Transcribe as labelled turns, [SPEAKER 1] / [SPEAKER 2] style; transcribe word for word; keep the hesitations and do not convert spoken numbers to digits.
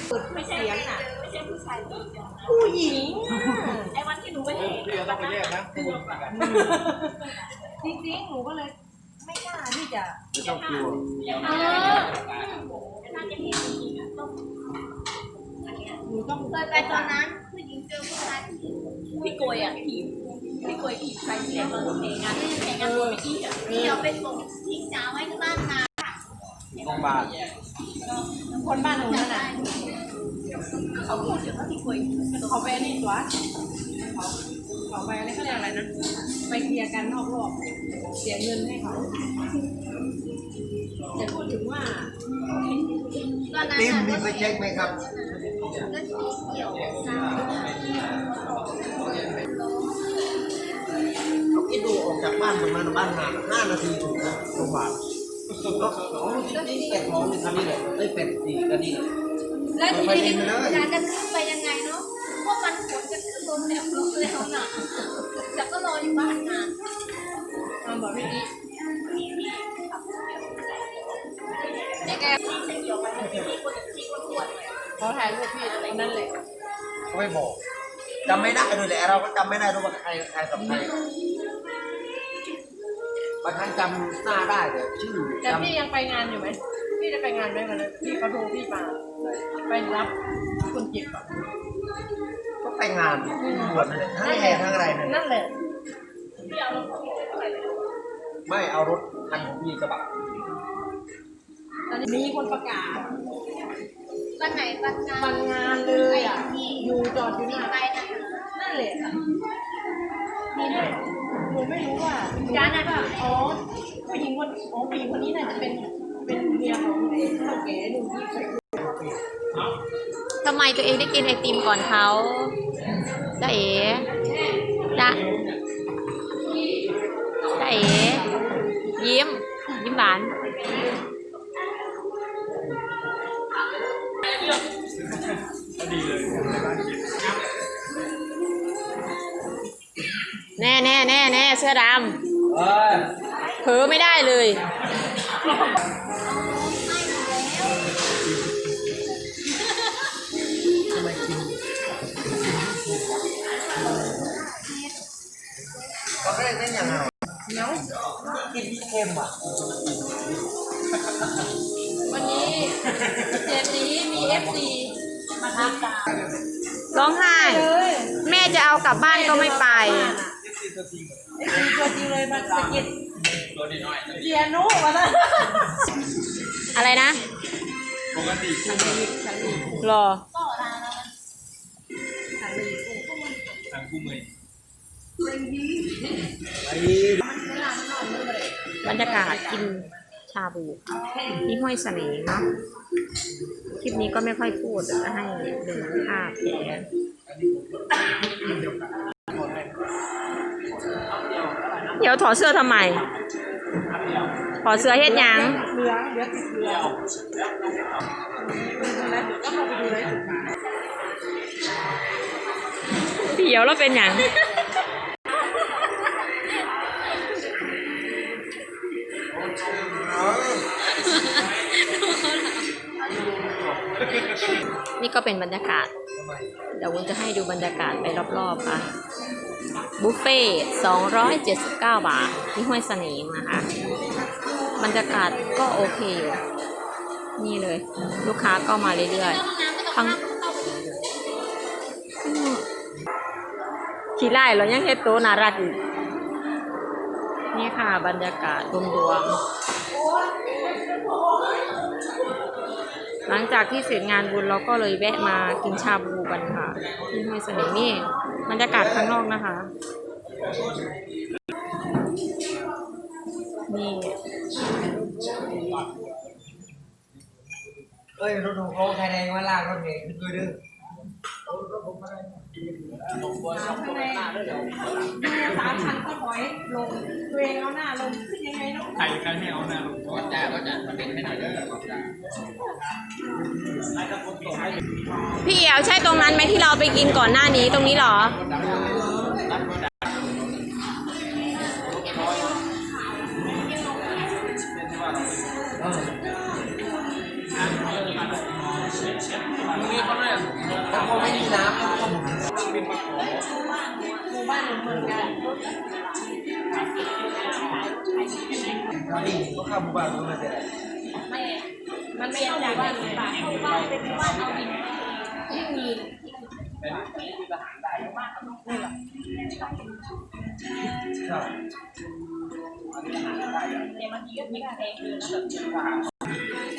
[SPEAKER 1] ไม่ใช่เสียงอ่ะไม่ใช่ผู้ชาย
[SPEAKER 2] ผู้หญิง
[SPEAKER 1] ไอ้วันที่หนูไปเห็น
[SPEAKER 3] พี่เราต้องไปแยกนะ
[SPEAKER 2] จริงๆหนูก็เลยไม่กล้าที่จะ
[SPEAKER 3] ไม่ต้องกลัว
[SPEAKER 1] เออน่าจะเห็นจริงๆอ่ะต้อง
[SPEAKER 2] หนูต้อง
[SPEAKER 1] เคยไปตอนนั้นผู้หญิงเจอผู้ชายพี่โกยอ่ะทีมพี่โกยทีมใครเสียงเราเพลงงานเพลงงานตัวไม่ดีอ่ะพี่เอาไปส่งทิ้งจ้าไว้ที่บ้านนา
[SPEAKER 3] โรงพยาบาล
[SPEAKER 2] คนบ้านหนูนั่นน่ะ
[SPEAKER 1] เขาพูดถึงว่าพี่โกย
[SPEAKER 2] เขาไปนี่ตัวเขาเขาไปอะไรเขาเรียกอะไรนะไปเคลียร์กันนอกรอบเสียเงินให้เขาจะพูดถึงว่า
[SPEAKER 3] ติมมีไปเช็คไหมครับเขาคิดดูออกจากบ้านประมาณบ้านห่างห้านาทีถึงนะโรงพยาบาลก็อ๋อนี่เป็ดท้องนี่คันนี้เลยไม่เป็ดสี่คันนี้
[SPEAKER 1] แล้วทีนี้การจะขึ้นไปยังไงเนาะพวกมันฝนจะขึ้นลมแล้วลมแล้วน่ะแต่ก็รออยู่บ้านนาน
[SPEAKER 2] มาบอกพี่นี้
[SPEAKER 1] แก
[SPEAKER 2] เขาถ่ายรูปพี่อะไรนั่นเลย
[SPEAKER 3] เขาไม่บอกจำไม่ได้ด้วยแหละเราก็จำไม่ได้ด้วยว่าใครใครกับใครบางครั้งจำหน้าได้แต่ชื่อ
[SPEAKER 2] แต่พี่ยังไปงานอยู่ไหมพี่จะไปงานไหมวันนั้นพี่เขาโทรพี่มาไปรับคนเจ็บอ่ะ
[SPEAKER 3] ก็ไปงานบวชเลยทั้งแห่ทั้งอะไรเลย
[SPEAKER 2] นั่นแหละ
[SPEAKER 3] ไม่เอารถคันของพี่กระบะ
[SPEAKER 2] มีคนประกาศ
[SPEAKER 1] วันไหนวันงาน
[SPEAKER 2] วันงานเลยอ่ะอยู่จอดอยู่นี่
[SPEAKER 1] ไปนะ
[SPEAKER 2] นั่นแหละมีด้วยหนูไม่รู้ว่า
[SPEAKER 1] การนั้น
[SPEAKER 2] อ๋อผู้หญิงคนอ๋อผู้หญิงคนนี้น่าจะเป็นเป็นเมียของไอ้เท่าแก่หนุ่มที่เคย
[SPEAKER 4] ทำไมตัวเองได้กินไอติมก่อนเขาจ้าเอ๋จ้าจ้าเอ๋ยิ้มยิ้มหวานแน่แน่แน่แน่เสื้อดำเผลอไม่ได้เลย
[SPEAKER 3] ก็ได้ได้ยังไงเนาะกินเค็มอ่ะ
[SPEAKER 2] วันนี้เจนนี้มีเอฟซีมาทักกัน
[SPEAKER 4] ร้องไห้แม่จะเอากลับบ้านก็ไม่ไป
[SPEAKER 2] ตัวจริงเลยมันสะกิดเกียร์นุวะนะ
[SPEAKER 4] อะไรนะ
[SPEAKER 3] ปกติ
[SPEAKER 4] รอ
[SPEAKER 3] ทางคู่มือบ
[SPEAKER 4] รรยากาศกินชาบูที่ห้วยเสน่ห์เนาะคลิปนี้ก็ไม่ค่อยพูดจะให้ดูภาพแผลเดี๋ยวถอดเสื้อทำไมถอดเสื้อเฮ็ดยัง
[SPEAKER 2] เหลือเหลือติดเหลือก็เข้าไปดูเลย
[SPEAKER 4] เดี๋ยวเราเป็นอย่างนี่ก็เป็นบรรยากาศเดี๋ยววุ้นจะให้ดูบรรยากาศไปรอบๆค่ะบุฟเฟ่สองร้อยเจ็ดสิบเก้าบาทที่ห้วยเสน่ห์นะคะบรรยากาศก็โอเคอยู่นี่เลยลูกค้าก็มาเรื่อยๆทั้งขี่ไล่เรายังเฮ็ดโตน่ารักอยู่นี่ค่ะบรรยากาศรวมๆหลังจากที่เสร็จงานบุญเราก็เลยแวะมากินชาบูกันค่ะที่ห้วยเสน่ห์นี่บรรยากาศข้างนอกนะคะนี่
[SPEAKER 3] เอ้ยรถของเขาไทยแดงมาลากรถเมล์ขึ้นด้วยดื้อ
[SPEAKER 2] สามพันก็ถอยลงตัวเองเอาหน้าลงขึ้นยังไงเนาะ
[SPEAKER 3] ใครใครไม่เอาหน้าลงก็จะก็จะมาเป็นให้หน่อยเด้อ
[SPEAKER 4] พี่เอ๋วใช่ตรงนั้นไหมที่เราไปกินก่อนหน้านี้ตรงนี้หรอ
[SPEAKER 3] พอไม่มีน้ำก็หมุน
[SPEAKER 2] หมู่บ้านเหมือนกัน
[SPEAKER 3] วันนี้ก็เข้าหมู่บ้านก็ไม่ได้
[SPEAKER 1] ไม่มันไม่เอาบ้านเลยเข้าบ้านเป็นบ้านเอาดินที่มี
[SPEAKER 3] ใช่
[SPEAKER 1] แต่บางทีก็มีแพงเลยนะแบบ